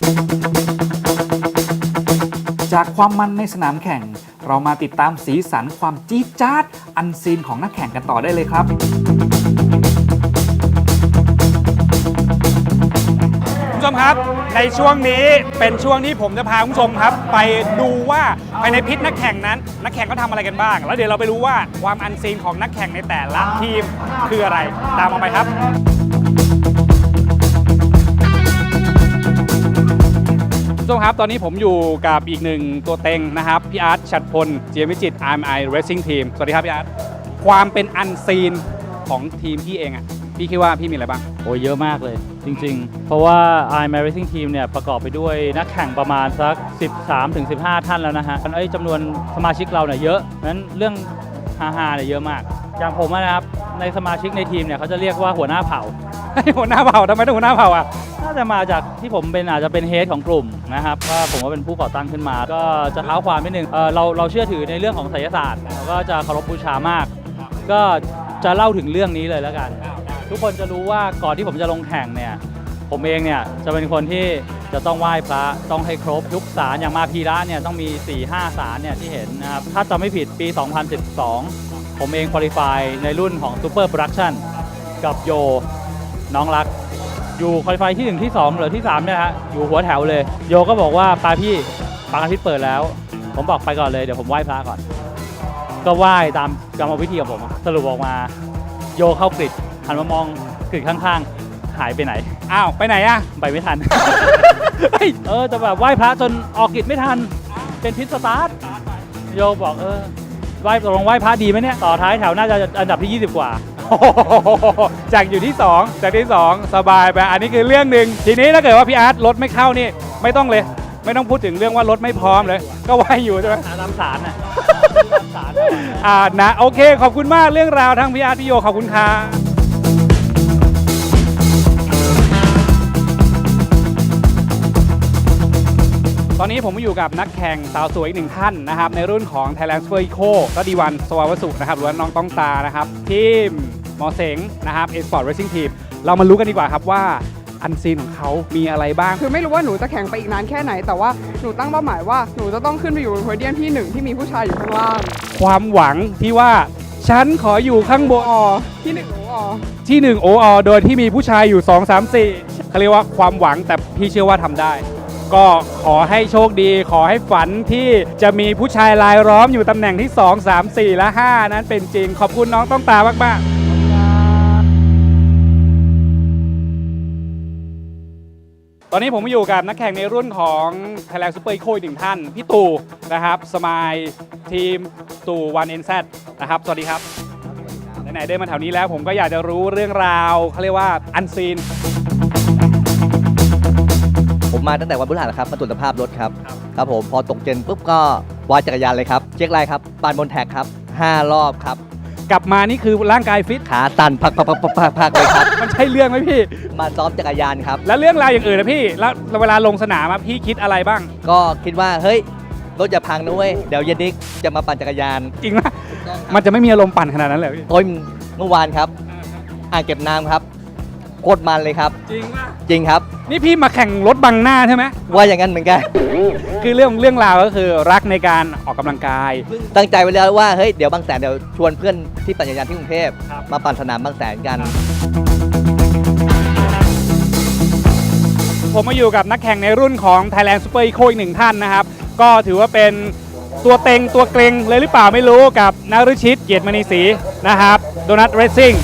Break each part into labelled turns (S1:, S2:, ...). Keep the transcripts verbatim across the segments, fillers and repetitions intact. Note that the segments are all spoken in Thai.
S1: จากความมันในสนามแข่งเรามาติดตามสีสันความจี๊ดจ๊าดอันซีนของนักแข่งกันต่อได้เลยครับคุณผู้ชมครับในช่วงนี้เป็นช่วงที่ผมจะพาคุณผู้ชมครับไปดูว่าภายในพิษนักแข่งนั้นนักแข่งเขาทำอะไรกันบ้างแล้วเดี๋ยวเราไปรู้ว่าความอันซีนของนักแข่งในแต่ละทีมคืออะไรตามมาไปครับคุณผู้ชมครับตอนนี้ผมอยู่กับอีกหนึ่งตัวเต็งนะครับพี่อาร์ตฉัตรพลเจียมวิจิตร อาร์ เอ็ม ไอ Racing Team สวัสดีครับพี่อาร์ตความเป็นอันซีนของทีมพี่เองอ่ะพี่คิดว่าพี่มีอะไรบ้าง
S2: โอ้ยเยอะมากเลยจริงๆเพราะว่า อาร์ เอ็ม ไอ Racing Team เนี่ยประกอบไปด้วยนักแข่งประมาณสัก สิบสามถึงสิบห้า ท่านแล้วนะฮะไอ้จำนวนสมาชิกเราเนี่ยเยอะนั้นเรื่องฮาๆเนี่ยเยอะมากอย่างผมนะครับในสมาชิกในทีมเนี่ยเขาจะเรียกว่าหัวหน้าเผ่า
S1: หัวหน้าเผ่าทำไมต้องหัวหน้าเผ่าอ่ะ
S2: น่าจะมาจากที่ผมเป็นอาจจะเป็นเฮดของกลุ่มนะครับว่าผมว่าเป็นผู้ก่อตั้งขึ้นมาก็จะเท้าความนิดนึง เ, เราเราเชื่อถือในเรื่องของไสยศาสตร์แล้วก็จะเคารพบูชามากก็จะเล่าถึงเรื่องนี้เลยแล้วกันทุกคนจะรู้ว่าก่อนที่ผมจะลงแข่งเนี่ยผมเองเนี่ยจะเป็นคนที่จะต้องไหว้พระต้องให้ครบทุกศาลอย่างมาพีระเนี่ยต้องมี สี่ห้า ศาลเนี่ยที่เห็นนะครับถ้าจำไม่ผิดปี สองพันสิบสอง ผมเองคุริฟายในรุ่นของ Super Production กับโยน้องรักอยู่คุริฟายที่หนึ่งที่สองหรือที่สามเนี่ยฮะอยู่หัวแถวเลยโยก็บอกว่าปาพี่ปางอาทิตย์เปิดแล้วผมบอกไปก่อนเลยเดี๋ยวผมไหว้พระก่อนก็ไหว้ตามกรรมวิธีของผมสรุปออกมาโยเข้ากริดหันมามองกริดข้างๆหายไปไหน
S1: อ้าวไปไหนอะ
S2: ไปไม่ทัน เออจะแบบไหว้พระจนออกกริดไม่ทันเป็นพิษสตาร์ทโยบอกเออไหว้ตกลงไหว้พระดีไหมเนี่ยต่อท้ายแถวน่าจะอันดับที่ยี่สิบกว่า
S1: จากอยู่ที่สองจากที่สองสบายไปอันนี้คือเรื่องหนึ่งทีนี้ถ้าเกิดว่าพี่อาร์ตรถไม่เข้านี่ไม่ต้องเลยไม่ต้องพูดถึงเรื่องว่ารถไม่พร้อมเลยก็ไหวอยู่ใช่ไหม
S2: ตามสารน่ะ
S1: อ่านะโอเคขอบคุณมากเรื่องราวทั้งพี่อาร์ตพี่โยขอบคุณค่ะตอนนี้ผมอยู่กับนักแข่งสาวสวยอีกหนึ่งท่านนะครับในรุ่นของ Thailand Super Eco ก็ดีวันสวาวสุนะครับหรือว่าน้องต้องตานะครับทีมมอเสงนะครับ Esport Racing Team เรามารู้กันดีกว่าครับว่าอันซีนของเขามีอะไรบ้าง
S3: คือไม่รู้ว่าหนูจะแข่งไปอีกนานแค่ไหนแต่ว่าหนูตั้งเป้าหมายว่าหนูจะต้องขึ้นไปอยู่บนโพเดียมที่หนึ่งที่มีผู้ชายอยู่ข้างล่าง
S1: ความหวังที่ว่าฉันขออยู่ข้างบน
S3: ที่หนึ่งโออ
S1: ที่หนึ่งโออโดยที่มีผู้ชายอยู่ สอง สาม สี่เขาเรียกว่าความหวังแต่พี่เชื่อว่าทำได้ก็ขอให้โชคดีขอให้ฝันที่จะมีผู้ชายรายล้อมอยู่ตำแหน่งที่สอง สาม สี่ และ ห้านั้นเป็นจริงขอบคุณน้องต้องตามากๆตอนนี้ผมอยู่กับนักแข่งในรุ่นของ Thailand Super Eco อีกหนึ่งท่านพี่ตู่นะครับสมายทีมตู่ วัน เอ็น แซด นะครับสวัสดีครับไหนๆได้มาแถวนี้แล้วผมก็อยากจะรู้เรื่องราวเขาเรียกว่าอันซีน
S4: ผมมาตั้งแต่วันพฤหัสครับมาตรวจสภาพรถครับครับผมพอตกเย็นปุ๊บก็วางจักรยานเลยครับเช็คไลน์ครับปานบนแท็กครับห้ารอบครับ
S1: กลับมานี่คือร่างกายฟิต
S4: ขาสั่นพักพักพักพักพักเลยครับ
S1: มันใช่เรื่องไหมพี่
S4: มาซ้อมจักรยานครับ
S1: แล้วเรื่องราวอย่างอื่นนะพี่แล้วเวลาลงสนามพี่คิดอะไรบ้าง
S4: ก็คิดว่าเฮ้ยรถอย่าพังนะเว้ยเดี๋ยวเย็นนี้จะมาปั่นจักรยาน
S1: จริงไหมมันจะไม่มีอารมณ์ปั่นขนาดนั้นเลยพี่
S4: ต้นเมื่อวานครับอ่างเก็บน้ำครับโคตรมันเลยครับ
S1: จริงป่ะ
S4: จริงครับ
S1: นี่พี่มาแข่งรถบังหน้าใช่ไหม
S4: ว่าอย่างนั้นเหมือนกัน
S1: คือเรื่องเรื่องราวก็คือรักในการออกกำลังกาย
S4: ตั้งใจไว้แล้วว่าเฮ้ยเดี๋ยวบางแสนเดี๋ยวชวนเพื่อนที่ปั่นจักรยานที่กรุงเทพมาปั่นสนามบางแสนกัน
S1: ผมมาอยู่กับนักแข่งในรุ่นของ Thailand Super Eco อีกหนึ่งท่านนะครับก็ถือว่าเป็นตัวเต็งตัวเกรงเลยหรือเปล่าไม่รู้กับนฤชิตเกียรติมณีศรีนะครับโดนัทเรซซิ่ง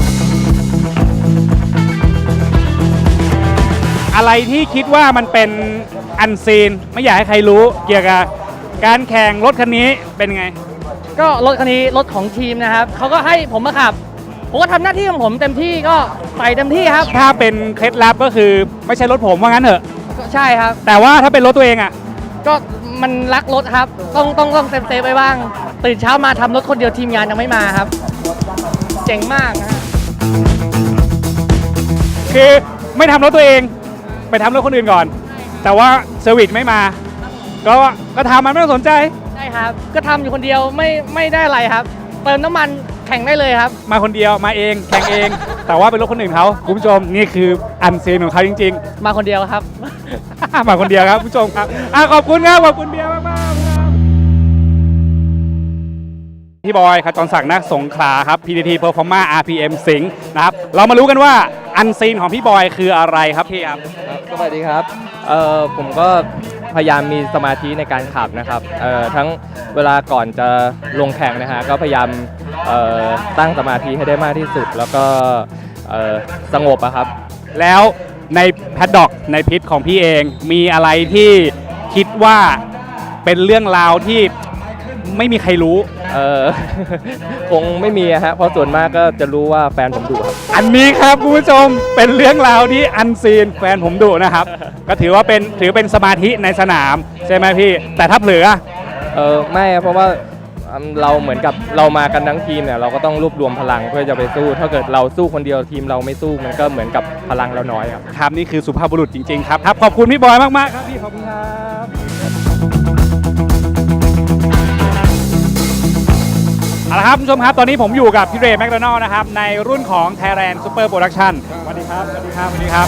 S1: อะไรที่คิดว่ามันเป็นอันซีนไม่อยากให้ใครรู้เกี่ยวกับการแข่งรถคันนี้เป็นไง
S5: ก็รถคันนี้รถของทีมนะครับเขาก็ให้ผมมาขับผมก็ทำหน้าที่ของผมเต็มที่ก็ใส่เต็มที่ครับ
S1: ถ้าเป็นเคล็ดลับก็คือไม่ใช่รถผมว่างั้นเถอะ
S5: ใช่ครับ
S1: แต่ว่าถ้าเป็นรถตัวเองอ่ะ
S5: ก็มันรักรถครับต้องต้องต้องเซฟเซฟไว้บ้างตื่นเช้ามาทำรถคนเดียวทีมงานยังไม่มาครับเจ๋งมากนะ
S1: คือไม่ทำรถตัวเองไปทำรถคนอื่นก่อนแต่ว่าเซอร์วิสไม่มาก็ก็ทำมันไม่ต้องสนใจ
S5: ใช่ครับก็ทำอยู่คนเดียวไม่ไม่ได้อะไรครับเติมน้ำมันแข่งได้เลยครับ
S1: มาคนเดียวมาเองแข่งเอง แต่ว่าเป็นรถคนอื่นเขาคุณผู้ชมนี่คืออันซีนของเขาจริง
S5: มาคนเดียวครับ
S1: ๆ มาคนเดียวครับคุณผู้ชมครับอ่ะขอบคุณครับขอบคุณเบียร์มากๆครับพี่บอยขจรศักดิ์นักสงขลาครับ พี ที ที Performa อาร์ พี เอ็ม สิงห์นะครับเรามารู้กันว่าอันซีนของพี่บอยคืออะไรครับพี่ครับ
S6: สวัสดีครับเอ่อผมก็พยายามมีสมาธิในการขับนะครับเอ่อทั้งเวลาก่อนจะลงแข่งนะฮะก็พยายามเอ่อตั้งสมาธิให้ได้มากที่สุด แล้วก็เอ่อสงบอะครับ
S1: แล้วในแพดด็อกในพิทของพี่เองมีอะไรที่คิดว่าเป็นเรื่องราวที่ไม่มีใครรู้
S6: เอ่อ คงไม่มีอะฮะเพราะส่วนมากก็จะรู้ว่าแฟนผมดุครับ
S1: อันนี้ครับคุณผู้ชมเป็นเรื่องราวที่อันซีนแฟนผมดุนะครับ ก็ถือว่าเป็นถือเป็นสมาธิในสนามใช่ไหมพี่ แต่ถ้าเผลอ
S6: เออไม่ครับเพราะว่าอืมเราเหมือนกับเรามากันทั้งทีมเนี่ยเราก็ต้องรวบรวมพลังเพื่อจะไปสู้ ถ้าเกิดเราสู้คนเดียวทีมเราไม่สู้มันก็เหมือนกับพลังเราน้อยครับ
S1: ครับนี่คือสุภาพบุรุษจริงๆครับครับขอบคุณพี่บอยมากๆครับพี่ขอบคุณครับเอาละครับคุณผู้ชมครับตอนนี้ผมอยู่กับพี่เรย์แมคโดนัลล์นะครับในรุ่นของ Thailand Super Production สวัสดีครับสวัสดีครับสวัสดีครับ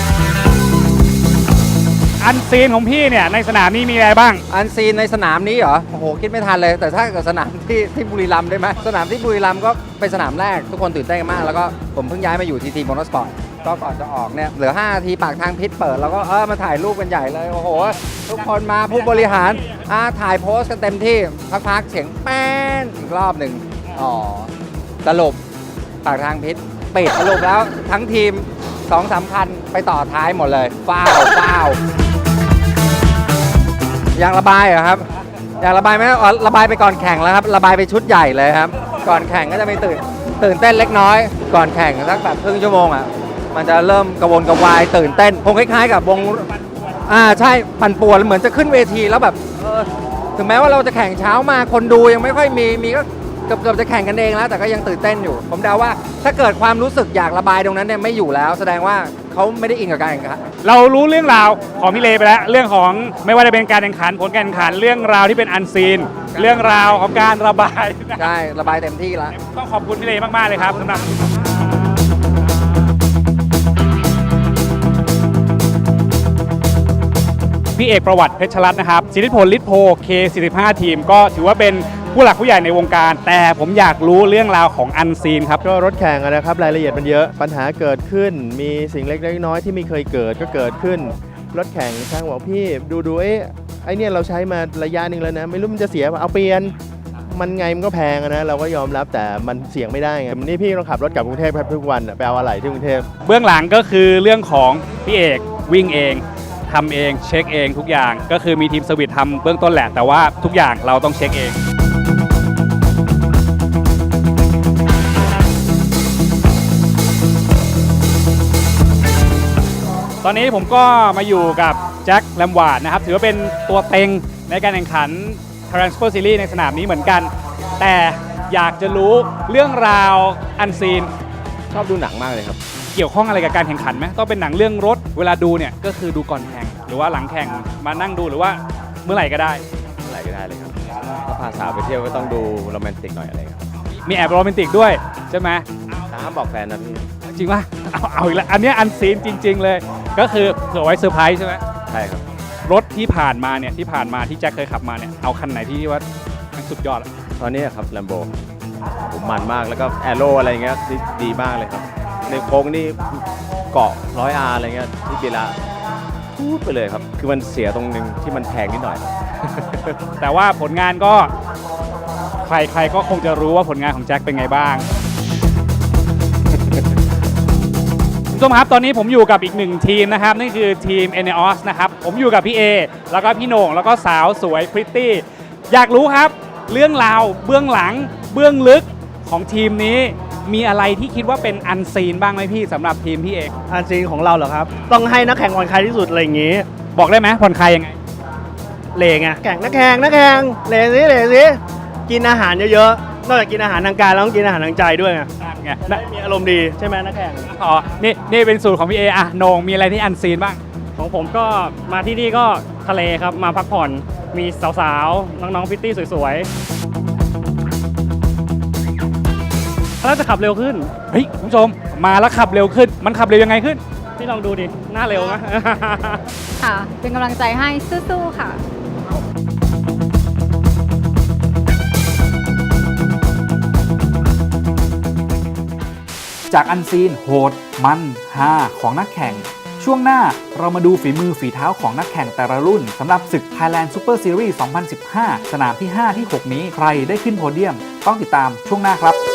S1: อันซีนของพี่เนี่ยในสนามนี้มีอะไรบ้าง
S7: อันซีนในสนามนี้เหรอ โอ้โห คิดไม่ทันเลย แต่ถ้าเกิดสนามที่ที่บุรีรัมย์ได้ไหม สนามที่บุรีรัมย์ก็เป็นสนามแรก ทุกคนตื่นเต้นกันมาก แล้วก็ผมเพิ่งย้ายมาอยู่ทีทีมอเตอร์สปอร์ต ก็ก่อนจะออกเนี่ย เหลือห้านาทีปากทางพิษเปิด แล้วก็เออมาถ่ายรูปกันใหญ่เลย โอ้โห ทุกคนมาผู้บริหารอ่าถ่ายโพสต์กันเต็มที่ พักๆ เสียงแป้นอีกรอบหนึ่งอ๋อ สรุปปากทางพิษปิดสรุปแล้วทั้งทีมสองสามคันไปต่อท้ายหมดเลยฟ้าวฟ้าวยางระบายเหรอครับยางระบายไม่อ๋อระบายไปก่อนแข่งแล้วครับระบายไปชุดใหญ่เลยครับก่อนแข่งก็จะมีตื่นตื่นเต้นเล็กน้อย ก่อนแข่งสักแบบครึ่งชั่วโมงอ่ะมันจะเริ่มกระวนกระวายตื่นเต้นคงคล้ายๆกับวงอ่าใช่ปั่นป่วนเหมือนจะขึ้นเวทีแล้วแบบเออถึงแม้ว่าเราจะแข่งเช้ามาคนดูยังไม่ค่อยมีมีก็เกือบเกือบจะแข่งกันเองแล้วแต่ก็ยังตื่นเต้นอยู่ ผมเดาว่าถ้าเกิดความรู้สึกอยากระบายตรงนั้นเนี่ยไม่อยู่แล้ว แสดงว่าเขาไม่ได้อินกับการแข่งขัน
S1: เรารู้เรื่องราวของพี่เลไปแล้วเรื่องของไม่ว่าจะเป็นการแข่งขันผลการแข่งขันเรื่องราวที่เป็นอันซีน เรื่องราวของการระบาย
S7: ใช่ระบายเต็มที่แล้ว
S1: ต้องขอบคุณพี่เลมากๆเลยครับสำหรับพี่เอกประวัติเพชรรัตน์นะครับสิทธิพลฤทธิ์โพ เค สี่สิบห้า ทีมก็ถือว่าเป็นผู้หลักผู้ใหญ่ในวงการ แต่ผมอยากรู้เรื่องราวของอันซีนครับ
S8: ก็รถแข่งอะนะครับรายละเอียดมันเยอะปัญหาเกิดขึ้น มีสิ่งเล็กๆน้อยๆที่ไม่เคยเกิดก็เกิดขึ้น รถแข่งช่างบอกพี่ดูดูเอ๊ะไอเนี่ยเราใช้มาระยะหนึ่งแล้วนะ ไม่รู้มันจะเสียป่ะเอาเปลี่ยนมันไงมันก็แพงอะนะเราก็ยอมรับแต่มันเสี่ยงไม่ได้ไงนี่พี่ต้องขับรถกลับกรุงเทพครับทุกวันอะไปเอาอะไรที่กรุงเทพ
S1: เบื้องหลังก็คือเรื่องของพี่เอกวิ่งเองทำเองเช็คเองทุกอย่างก็คือมีทีมเซอร์วิสทำเบื้องต้นแหละแต่ว่าทุกอย่างเราต้องเช็คเองตอนนี้ผมก็มาอยู่กับแจ็คแลมวาร์ดนะครับถือว่าเป็นตัวเต็งในการแข่งขัน Thailand Super Series ในสนามนี้เหมือนกัน แต่อยากจะรู้เรื่องราวอันซีน
S8: ชอบดูหนังมากเลยครับ
S1: เกี่ยวข้องอะไรกับการแข่งขันไหมต้องเป็นหนังเรื่องรถเวลาดูเนี่ยก็คือดูก่อนแข่งหรือว่าหลังแข่งมานั่งดูหรือว่าเมื่อไหร่ก็ได้
S8: อะไรก็ได้เลยครับถ้าพาสาวไปเที่ยวก็ต้องดูโรแมนติกหน่อยอะไรครับ
S1: มีแอบโรแมนติกด้วยใช่ไหม
S8: แต่ห้ามบอกแฟนนะพี่
S1: จริงป่ะเอาเอาอีกแล้วอันเนี้ยอันซีนจริง ๆ เลย ก็คือเผื่อไว้เซอร์ไพรส์ใช่ไหม
S8: ใช่ครับ
S1: รถที่ผ่านมาเนี่ยที่ผ่านมาที่แจ็คเคยขับมาเนี่ยเอาคันไหนที่ว่ามันสุดยอดอะ
S8: ตอนนี้ครับแลมโบผมมันมากแล้วก็แอโร่อะไรเงี้ยดีดีมากเลยครับ ในโค้งนี่เกาะร้อยอาร์อะไรเงี้ยที่เบลาพูดไปเลยครับ คือมันเสียตรงนึงที่มันแพงนิดหน่อย
S1: แต่ว่าผลงานก็ใครๆก็คงจะรู้ว่าผลงานของแจ็คเป็นไงบ้าง คุณผู้ชมครับตอนนี้ผมอยู่กับอีกหนึ่งทีมนะครับนั่นคือทีม เอ เน อี โอ เอส นะครับผมอยู่กับพี่เอแล้วก็พี่โหน่งแล้วก็สาวสวยพริตตี้อยากรู้ครับเรื่องราวเบื้องหลังเบื้องลึกของทีมนี้มีอะไรที่คิดว่าเป็นอันซีนบ้างไหมพี่สำหรับทีมพี่เอก
S9: อันซีนของเราเหรอครับ ต้องให้นักแข่งผ่อนคลายที่สุดอะไรอย่างงี้
S1: บอกได้ไหมผ่อนคลายยังไง
S9: เลงไงแข่งนักแข่งนักแข่งเลสิเลสิกินอาหารเยอะๆนอกจากกินอาหารทางกายแล้วต้องกินอาหารทางใจด้วยไง
S1: นั่นไง
S9: ได้มีอารมณ์ดีใช่ไหมนักแข่ง
S1: อ๋อนี่นี่เป็นสูตรของพี่เออะโหน่งมีอะไรที่อันซีนบ้าง
S10: ของผมก็มาที่นี่ก็ทะเลครับ มาพักผ่อนมีสาวๆ น้องๆพิตตี้สวยๆแล้วจะขับเร็วขึ้น
S1: เฮ้ยคุณผู้ชมมาแล้วขับเร็วขึ้น มันขับเร็วยังไงขึ้น
S10: ที่ลองดูดิ หน้าเร็วไหม
S11: ค่ะ เป็นกำลังใจให้สู้ๆค่ะ
S1: จากอันซีนโหดมันฮาของนักแข่ง ช่วงหน้าเรามาดูฝีมือฝีเท้าของนักแข่งแต่ละรุ่นสำหรับศึก Thailand Super Series สองพันสิบห้า สนามที่ ห้า ที่ หก นี้ใครได้ขึ้นโพเดียม ต้องติดตามช่วงหน้าครับ